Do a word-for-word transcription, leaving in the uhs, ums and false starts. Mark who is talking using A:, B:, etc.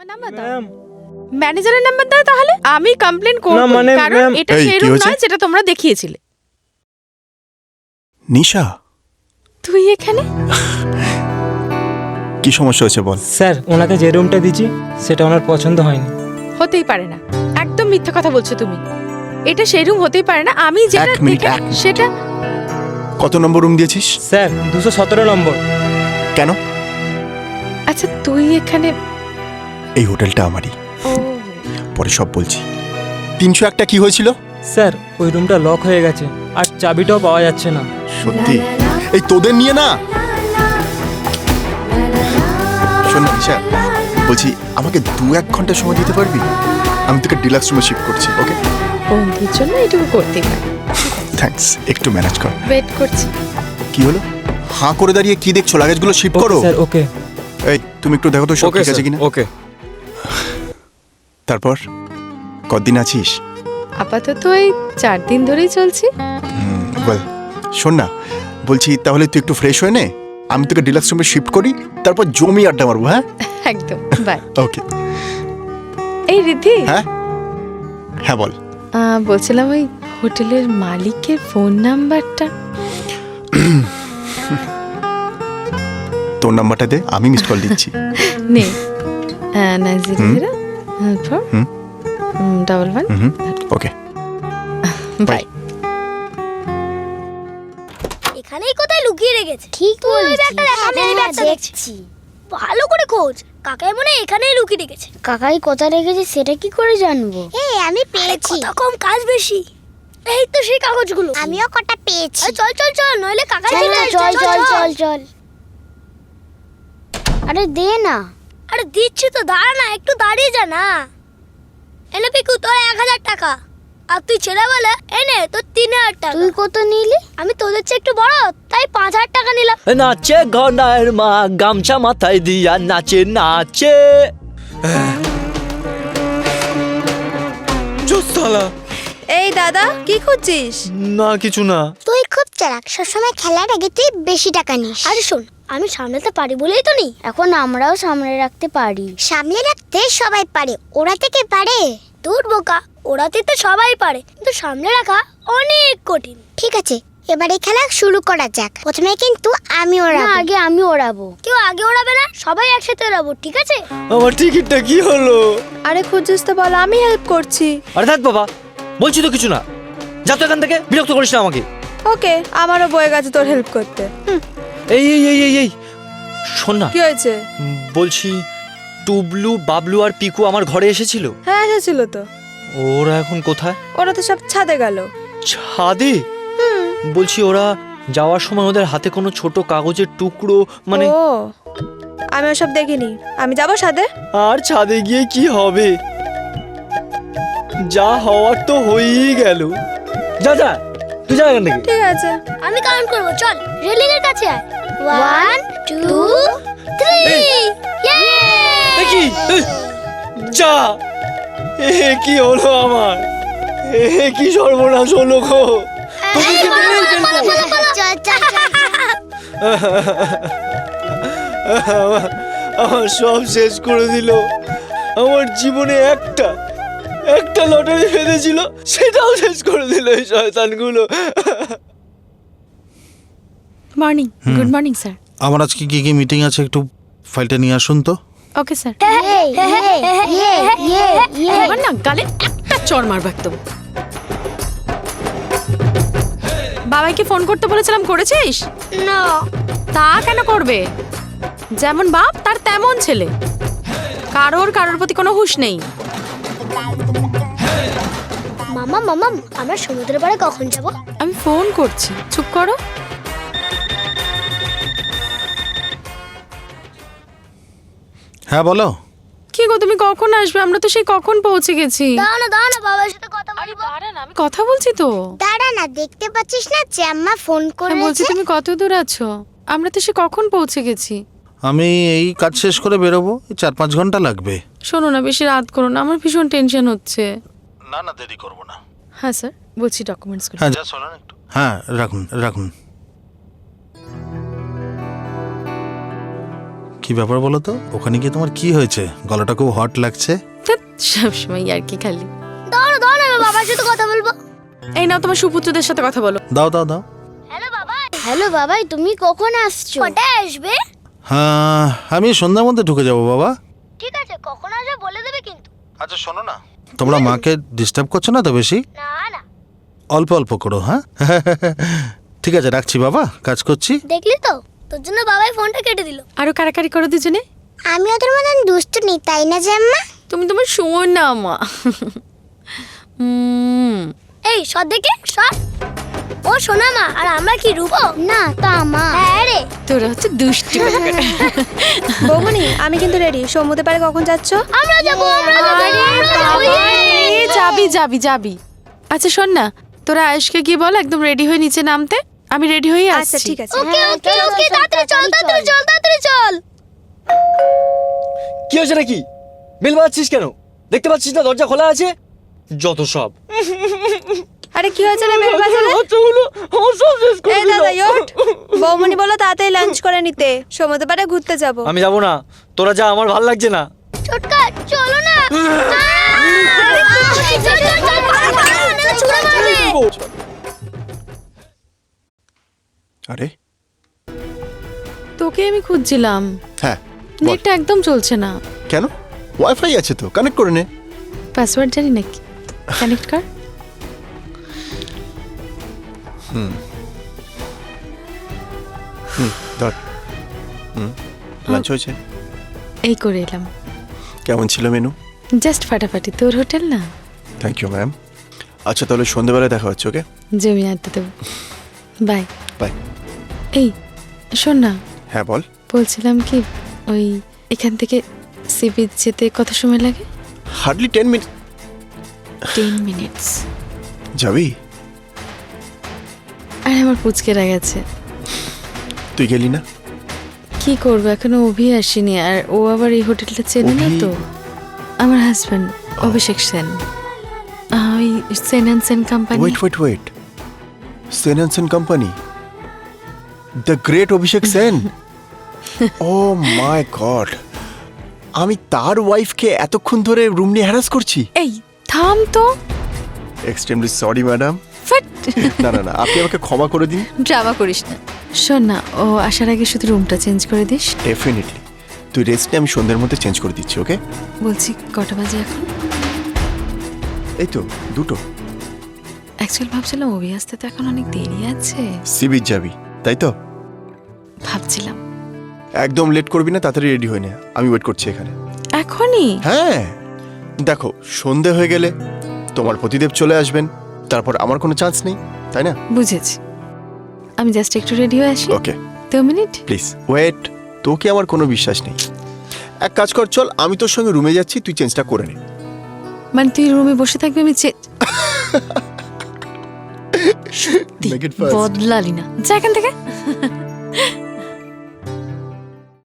A: আমার নাম্বার দাও। ম্যানেজারের নাম্বার দাও তাহলে আমি কমপ্লেইন করব, কারণ এটা সেই রুম নয় যেটা তোমরা দেখিয়েছিলে।
B: নিশা,
A: তুই এখানে?
B: কি সমস্যা হয়েছে বল।
C: স্যার, ওনাকে যে রুমটা দিয়েছি সেটা ওনার পছন্দ হয়নি।
A: হতেই পারে না, একদম মিথ্যা কথা বলছো তুমি। এটা সেই রুম হতেই পারে না। আমি যেটা
B: এক মিনিট,
A: দেখে-
B: এক মিনিট।
A: সেটা
B: কত নম্বর রুম দিয়েছিস?
C: স্যার, দুশো সতেরো নম্বর।
B: কেন?
A: আচ্ছা তুই এখানে?
B: এই হোটেলটা আমারই,
A: ও
B: পরে সব বলছি। তিনশো একটা কি হয়েছিল?
C: স্যার, ওই রুমটা লক হয়ে গেছে আর চাবিটাও পাওয়া যাচ্ছে না।
B: সত্যি? এই তোদের নিয়ে না। শোন না নিশা, বলছি আমাকে দু এক ঘন্টা সময় দিতে পারবি? আমি তোকে ডিলাক্স রুমে শিফট করছি। ওকে?
A: বন্ধুর জন্য এটুকু করতেই পারি।
B: থ্যাঙ্কস, একটু ম্যানেজ কর।
A: ওয়েট করছি।
B: কি হলো? হাঁ করে দাঁড়িয়ে কি দেখছো? লাগেজগুলো শিফট করো।
C: Sir, okay.
B: এই তুমি একটু দেখো তো সব ঠিক আছে কিনা।
C: ওকে।
B: তারপর কতদিন আছিস?
A: আপাতত এই চার দিন ধরেই চলছি।
B: ওয়েল, শোন না, বলছি তাহলে তুই একটু ফ্রেশ হয়ে নে, আমি তোকে ডিলাক্স রুমে শিফট করি, তারপর জমি আড্ডা মারবো। হ্যাঁ,
A: একদম। বাই।
B: ওকে।
A: এই রিদ্ধি,
B: হ্যাঁ হ্যাঁ বল।
A: আহ, বলছিলাম ওই হোটেলের মালিকের ফোন নাম্বারটা।
B: তোর নাম্বারটা দে, আমি মিস কল দিচ্ছি।
A: নে। নাইন জিরো জিরো ফোর
B: হুম।
A: Double one.
B: হুম, ওকে।
A: বাই।
D: এখানেই কোথায় লুকিয়ে রেখেছে?
E: ঠিক
D: তুই ওই
E: বলেছিস।
D: ব্যাগটা দেখ, আমি এই
E: হ্যাঁ,
D: ব্যাগটা দেখছি।
E: দেখছি।
D: ভালো করে খোঁজ, কাকাই মনে হয় এখানেই লুকিয়ে রেখেছে।
E: কাকাই কোথায় রেখেছে সেটা কি করে জানবো? এই আমি
D: আরে
E: পেয়েছি।
D: কত কম, কাজ বেশি। এই তো সেই কাগজগুলো।
E: আমিও কটা পেয়েছি।
D: আরে চল চল চল, নইলে কাকাই
E: চল
D: চলে
E: চল
D: আসবে।
E: চল চল চল। আরে দে না।
D: আরে দিচ্ছি তো, দাঁড়া না, একটু দাঁড়িয়ে যা না। এনে পিকু তোর এক হাজার টাকা, আর তুই ছেলে বলে এনে তোর তিন হাজার টাকা।
E: তুই কত নিলি?
D: আমি তোদের চেয়ে একটু বড়, তাই পাঁচ হাজার টাকা নিলাম।
F: নাচে ঘনার মা, গামছা মাথায় দিয়া নাচে নাচে। জোসালা।
A: এই দাদা, কি খুঁজছিস?
F: না কিছু না।
E: তুই খুব চালাক, সবসময় খেলার আগে তুই বেশি টাকা নিস।
D: আরে শোন, আমি সামলাতে পারি বলেই তো নি।
E: এখন আমরাও সামনে রাখতে পারি। সামনে রাখতে সবাই পারে, ওরা থেকে পারে?
D: দূর বোকা, ওরাতে তো সবাই পারে, কিন্তু সামনে রাখা অনেক কঠিন।
E: ঠিক আছে, এবারে খেলা শুরু করা যাক। প্রথমে কিন্তু আমি ওড়াবো। আগে আমি ওড়াবো।
D: কেউ আগে ওড়াবে না, সবাই একসাথে ওড়াবো, ঠিক আছে?
F: আমার টিকিটটা কি হলো?
A: আরে খুঁজছিস তো বল, আমি হেল্প করছি।
F: আরে থাক বাবা, বলছি তো কিছু না। যা তো এখান থেকে, বিরক্ত করিস না আমাকে।
A: ওকে, আমারও বয়ে গেছে তোর হেল্প করতে।
F: এই এই এই এই এই শোন না,
A: কি হয়েছে?
F: বলছি টুবলু, বাবলু আর পিকু আমার ঘরে এসেছিল।
A: হ্যাঁ এসেছিল তো।
F: ওরা এখন কোথায়?
A: ওরা তো সব ছাদে গেল।
F: ছাদে? বলছি ওরা যাওয়ার সময় ওদের হাতে কোনো ছোট কাগজের টুকরো, মানে
A: ও, আমি ওসব দেখিনি। আমি যাবো ছাদে।
F: আর ছাদে গিয়ে কি হবে? যা হওয়ার তো হয়েই গেল। যা যা, তুই যা এখান থেকে।
A: ঠিক আছে।
D: আমি কাউন্ট করবো, চল রেলিং এর কাছে আয়। One two three.
F: দেখি যা, এ কি হলো আমার? এ কি সর্বনাশ হলো গো? তোদেরকে মেরেই ফেলবো।
E: চল চল চল।
F: আমার- আমার সব শেষ করে দিল। আমার জীবনে একটা একটা লটারি ফেলেছিল, সেটাও শেষ করে দিল এই শয়তানগুলো।
A: মর্নিং। Good morning sir.
G: আমার আজকে কি কি মিটিং আছে, একটু ফাইলটা নিয়ে আসুন তো।
A: Okay sir.
E: এই, এই, এই, এই, এই।
A: এবার না গালে একটা চড় মারবো একদম। বাবাইকে ফোন করতে বলেছিলাম, করেছিস?
D: না।
A: তা কেন করবে? যেমন বাপ তার তেমন ছেলে। কারোর কারোর প্রতি কোনো হুঁশ নেই।
D: মামা মামা, আমরা সমুদ্রের পাড়ে কখন যাব?
A: আমি ফোন করছি, চুপ করো।
G: হ্যাঁ বলো।
A: কি গো, তুমি কখন আসবে? আমরা তো সেই কখন পৌঁছে গেছি।
D: দাঁড়া না দাঁড়া না, বাবার সাথে কথা বলবো।
A: আমি কথা বলছি তো।
E: দাঁড়া না, দেখতে পাচ্ছিস না যে আম্মা ফোন
A: হ্যাঁ, বলছি
E: করেছে?
A: তুমি কত দূর আছো? আমরা তো সে কখন পৌঁছে গেছি।
G: আমি এই কাজ শেষ করে বেরোবো, এই চার পাঁচ ঘন্টা লাগবে।
A: শোনো না, বেশি রাত করো না, আমার ভীষণ টেনশন হচ্ছে।
G: না না, দেরি করবো না।
A: হ্যাঁ স্যার, বলছি ডকুমেন্টস।
G: হ্যাঁ যা, শোনেন একটু। হ্যাঁ রাখুন রাখুন। কি ব্যাপার বলো তো, ওখানে গিয়ে তোমার কি হয়েছে? গলাটা খুব হট লাগছে।
A: ধ্যাৎ, সবসময় আর কি খালি।
D: দাঁড়াও দাঁড়াও আমি বাবার সাথে কথা বলবো।
A: এই নাও তোমার সুপুত্রদের সাথে কথা বলো।
G: দাও দাও দাও।
D: হ্যালো বাবা।
E: হ্যালো বাবাই, তুমি কখন আসছো?
D: কটায় আসবে?
G: হ্যাঁ, আমি সন্ধ্যার মধ্যে ঢুকে যাবো বাবা।
D: ঠিক আছে, কখন আসবে বলে দেবে কিন্তু।
G: আচ্ছা শোনো না, তোমরা মাকে ডিস্টার্ব করছো না তো বেশি?
D: না না।
G: অল্প অল্প করো, হ্যাঁ? ঠিক আছে, রাখছি বাবা, কাজ করছি।
D: দেখলি তো, তোর জন্য বাবাই ফোনটা কেটে দিল।
A: আরো কারাকারি করো দুজনে।
E: আমি ওদের মতন দুষ্টু নেই, তাই না জাম্মা?
A: তুমি তোমার শোন না মা। উম,
D: এই সর দেখে সর। ও সোনা মা, আর আমরা কি রূপো?
E: না তা মা।
D: হ্যাঁ রে।
A: তোরা হচ্ছে দুষ্টি।
H: বৌমনি, আমি কিন্তু রেডি। সমুদ্র পাড়ে কখন যাচ্ছ?
D: আমরা যাবো আমরা যাবো
A: আরে
D: আমরা যাবো।
A: বাবা, এ, যাবি যাবি যাবি। আচ্ছা শোন না, তোরা আয়েশকে গিয়ে বল একদম রেডি হয়ে নিচে নামতে। আমি রেডি হয়ে
H: আচ্ছা
A: আসছি।
H: ঠিক আছে।
D: ওকে
E: হ্যাঁ,
D: ওকে
E: চল, চল,
D: ওকে
E: চল,
D: তাড়াতাড়ি চল
E: তাড়াতাড়ি
D: তাড়াতাড়ি চল তাড়াতাড়ি চল।
F: কি হয়েছে নাকি? বেল বাজাচ্ছিস কেন? দেখতে পাচ্ছিস না দরজা খোলা আছে? যত সব।
H: আরে কি হয়েছে রে বেল বাজালে?
F: বাচ্চাগুলো আমার সব শেষ করে
H: এই
F: দিল।
H: দাদা ওঠ। বৌমনি বলো তাড়াতাড়ি লাঞ্চ করে নিতে, সমুদ্র পাড়ে ঘুরতে যাব।
F: আমি যাবো না, তোরা যা, আমার ভাল লাগছে না।
D: ছোটকা চলো না। আরে, চল, চল, চল, পালা, পালা, নাহলে ছুঁড়ে মারবে।
B: আরে
A: তোকে আমি খুঁজছিলাম,
B: হ্যাঁ বল।
A: নেটটা একদম চলছে না।
B: কেন? ওয়াইফাই আছে তো, কানেক্ট করে নে।
A: পাসওয়ার্ড জানি নাকি? কানেক্ট কর।
B: হুম ধর। হুম লাঞ্চ হয়েছে?
A: এই করে এলাম।
B: কেমন ছিল মেনু?
A: জাস্ট ফাটাফাটি। তোর হোটেল না?
B: Thank you ma'am. আচ্ছা তাহলে সন্ধ্যেবেলায় দেখা হচ্ছে, ওকে?
A: জমি আড্ডা দেবো। Bye
B: bye.
A: এই শোন না,
B: হ্যাঁ বল।
A: বলছিলাম কি, ওই এখান থেকে সি বিচ যেতে কত সময় লাগে?
B: Hardly ten minute.
A: Ten minutes.
B: যাবি?
A: আর আমার পুচকেরা গেছে।
B: তুই গেলি না?
A: কি করবো, এখনো অভি আসেনি, আর ও আবার এই হোটেলটা চেনে না
B: অভি?
A: তো। আমার হাজব্যান্ড অভিষেক সেন, আহ, ওই Sen and Sen company.
B: Wait wait wait Sen and Sen company, the great Abhishek Sen. Oh my god, আমি তার ওয়াইফকে এতক্ষণ ধরে রুম নিয়ে হ্যারাস করছি।
A: এই থাম তো।
B: Extremely sorry madam.
A: ফাট।
B: না না না, আপনি আমাকে ক্ষমা করে দিন।
A: ড্রামা করিস না। শোন না, ও আসার আগে শুধু রুমটা চেঞ্জ করে দিস।
B: ডেফিনেটলি, তুই রেস্ট নিয়ে আমি সন্ধ্যের মধ্যে চেঞ্জ করে দিচ্ছি, ওকে?
A: বলছি কটা বাজে এখন?
B: এই তো দুটো।
A: অ্যাকচুয়ালি ভাবছিলাম অভি আসতে তো এখন অনেক দেরি আছে।
B: সি বিচ যাবি তাই তো?
A: ভাবছিলাম
B: একদম লেট করবি না, তাড়াতাড়ি রেডি হয়ে নে, আমি ওয়েট করছি এখানে।
A: এখনই?
B: হ্যাঁ দেখো, সন্ধে হয়ে গেলে তোমার পতিদেব চলে আসবেন, তারপর আমার কোনো চান্স নেই, তাই না?
A: বুঝেছি। আমি জাস্ট একটু রেডি হয়ে আসি।
B: ওকে
A: দু মিনিট।
B: প্লিজ ওয়েট, তোকে আমার কোনো বিশ্বাস নেই। এক কাজ কর, চল আমি তোর সঙ্গে রুমে যাচ্ছি, তুই চেঞ্জটা করে নে।
A: মানে তুই রুমে বসে থাকবি, আমি চে-
B: Make it fast.
A: বদলালি না, যা এখান থেকে।